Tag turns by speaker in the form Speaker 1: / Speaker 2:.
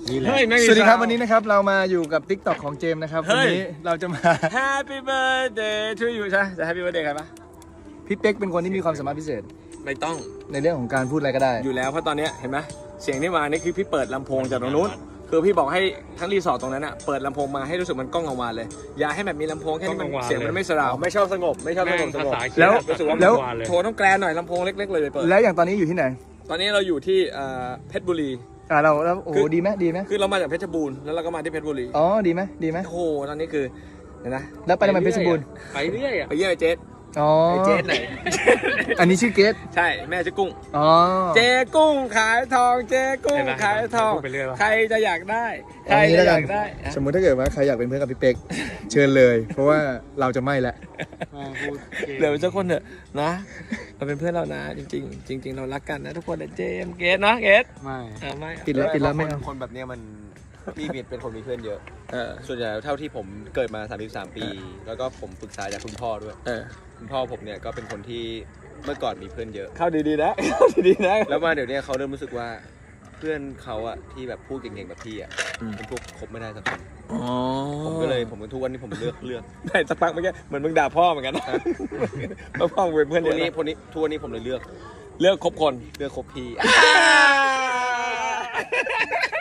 Speaker 1: สวัสดีครับวันนี้นะครับเรามาอยู่กับ TikTok ของเจมส์นะครับวันนี้เราจะมา
Speaker 2: Happy birthday to you ใช่จะ Happy birthday ใครปะ
Speaker 1: พี่เป๊กเป็นคนที่มีความสามารถพิเศษ
Speaker 2: ไม่ต้อง
Speaker 1: ในเรื่องของการพูดอะไรก็ได้
Speaker 2: อยู่แล้วเพราะตอนเนี้ยเห็นไหมเสียงที่มานี่คือพี่เปิดลำโพงจากตรงนู้นคือพี่บอกให้ทั้งรีสอร์ทตรงนั้นอ่ะเปิดลำโพงมาให้รู้สึกมันก้องกังวานเลย อย่าให้แบบมีลำโพงแค่นี้มันเสียงมันไม่สราวไม่ชอบสงบไม่ชอบสงบ
Speaker 1: แล้ว
Speaker 2: รู้สึกว่า
Speaker 1: แล้ว
Speaker 2: โทรต้องแกรนหน่อยลำโพงเล็กๆเลยเปิด
Speaker 1: แล้วอย่างตอนนี้อยู่ที่ไหน
Speaker 2: ตอนนี้เราอยู่ที่เพชรบุรี
Speaker 1: เราโอ้โหดีไหมดีไหม
Speaker 2: คือเรามาจากเพชรบูรณ์แล้วเราก็มาที่เพชรบุรี
Speaker 1: อ๋อดีไหมดีไหม
Speaker 2: โอ้โหตอนนี้คือเห็นนะ
Speaker 1: แล้วไปทำไมเพชรบูรณ์
Speaker 2: ไปเรื่อยไปเยี่ยมไอ้เจส
Speaker 1: อ๋อ
Speaker 2: ไอ้เจสไหน
Speaker 1: อันนี้ชื่อเกต
Speaker 2: ใช่แม่ชื่อกุ้ง
Speaker 1: อ๋อ
Speaker 2: เจกุ้งขายทองเจกุ้งขายทองใครจะอยากได้ใครจะอยากได้
Speaker 1: สมมุติถ้าเกิดว่าใครอยากเป็นเพื่อนกับพี่เป๊กเชิญเลยเพราะว่าเราจะไม่ละ
Speaker 2: เหลือเป็นเจ้าคนเถอะนะเราเป็นเพื่อนเรานะจริงๆจริง ๆ เรารักกันนะทุกคนนะเจมเกสนะเกส
Speaker 3: ไม่
Speaker 2: ไม่
Speaker 1: ปิดแล้วไม่เอา
Speaker 3: คนแบบเนี้ยมันพี่มีเป็นคนมีเพื่อนเยอะส่วนใหญ่เท่าที่ผมเกิดมา33ปี แล้วก็ผมปรึกษาจากคุณพ่อด้วยคุณพ่อผมเนี่ยก็เป็นคนที่เมื่อก่อนมีเพื่อนเยอะ
Speaker 2: เข้าดีๆนะเข้าดีๆนะ
Speaker 3: แล้วมาเดี๋ยวนี้เขาเริ่มรู้สึกว่าเพื่อนเขาอะที่แบบพูดเก่งๆแบบพี่อะเป็นพวกคบไม่ได้สักคนผมก็เลยผมทุกวันนี้ผมเลือก
Speaker 2: ได้สักพักเมื่อกี้เหมือนมึงด่าพ่อเหมือนกันนะพ่อมึงเป็นเพื่อน
Speaker 3: ทุก
Speaker 2: เย
Speaker 3: วัน
Speaker 2: อะ
Speaker 3: นี้ทุกวันนี้ผมเลยเลือก
Speaker 2: เลือกคบคน
Speaker 3: เลือกคบพี่